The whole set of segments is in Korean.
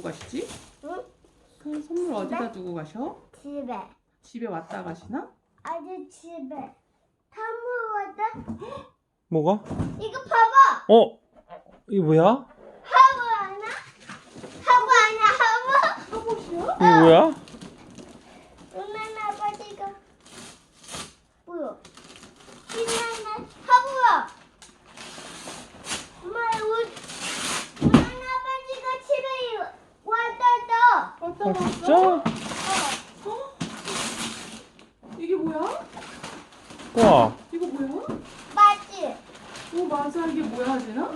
가시지? 응? 선물 어디다 두고 가셔? 집에. 집에 왔다 가시나? 아직 집에. 사무거든. 뭐가? 이거 봐봐. 어? 이게 뭐야? 하부 하나? 하부 아니야 하부? 하봇이야? 이게 뭐야? 은하는 아버지가 뭐야? 신나는 하부야. 엄마 은하는 아버지가 집에 왔다. 왔다 아 갔어? 진짜? 이게 뭐야? 우와. 이거 뭐야? 맞지? 오 맞아 이게 뭐야 하진아?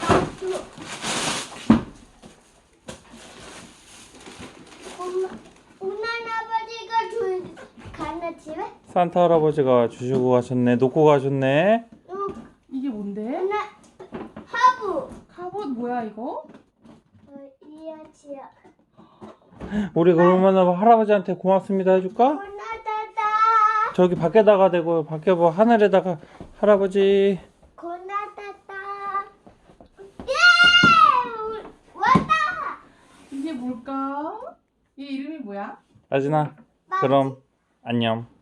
엄마 은하는 아버지가 가나 집에? 산타 할아버지가 주시고 가셨네. 놓고 가셨네. 이게 뭔데? 은하 하부. 갑옷 뭐야 이거? 이야지야. 우리 그러면 할아버지한테 고맙습니다 해줄까? 고나다다. 저기 밖에다가 대고 밖에 뭐 하늘에다가 할아버지 고나다다. 예! 왔다. 이게 뭘까? 얘 이름이 뭐야? 아진아 그럼 안녕.